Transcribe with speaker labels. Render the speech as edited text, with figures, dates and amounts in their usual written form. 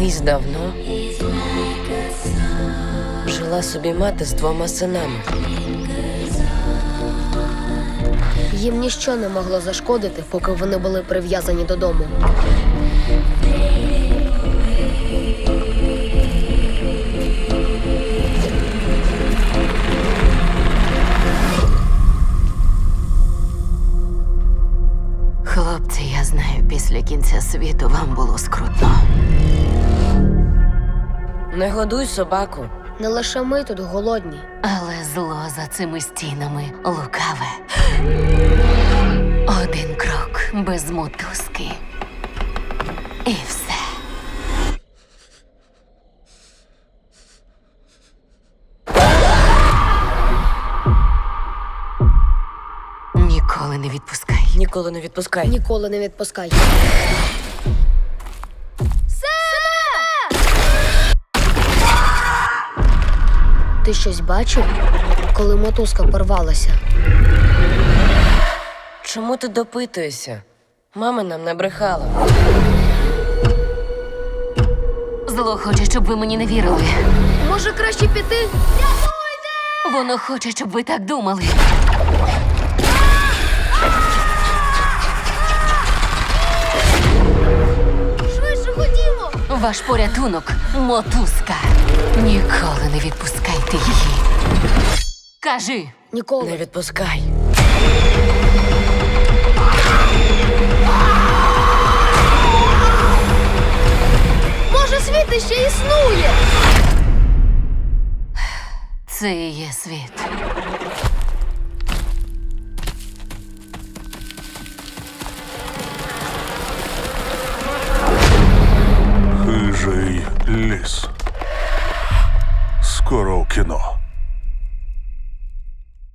Speaker 1: Колись давно жила собі мати з 2 синами.
Speaker 2: Їм ніщо не могло зашкодити, поки вони були прив'язані додому.
Speaker 3: Хлопці, я знаю, після кінця світу вам було скрутно.
Speaker 1: Не годуй собаку.
Speaker 2: Не лише ми тут голодні.
Speaker 3: Але зло за цими стінами лукаве. Один крок без мотузки. І все. Ніколи не відпускай.
Speaker 1: Ніколи не відпускай.
Speaker 2: Ніколи не відпускай. Ти щось бачив, коли мотузка порвалася?
Speaker 1: Чому ти допитуєшся? Мама нам не брехала.
Speaker 3: Зло хоче, щоб ви мені не вірили.
Speaker 2: Може, краще піти?
Speaker 3: Воно хоче, щоб ви так думали.
Speaker 2: Швидше ходімо!
Speaker 3: Ваш порятунок – мотузка. Ніколи не відпускайте її. Кажи.
Speaker 2: Ніколи.
Speaker 1: Не відпускай.
Speaker 2: Може, світ іще існує?
Speaker 3: Це і є світ.
Speaker 4: Хижий ліс. Скоро в кіно.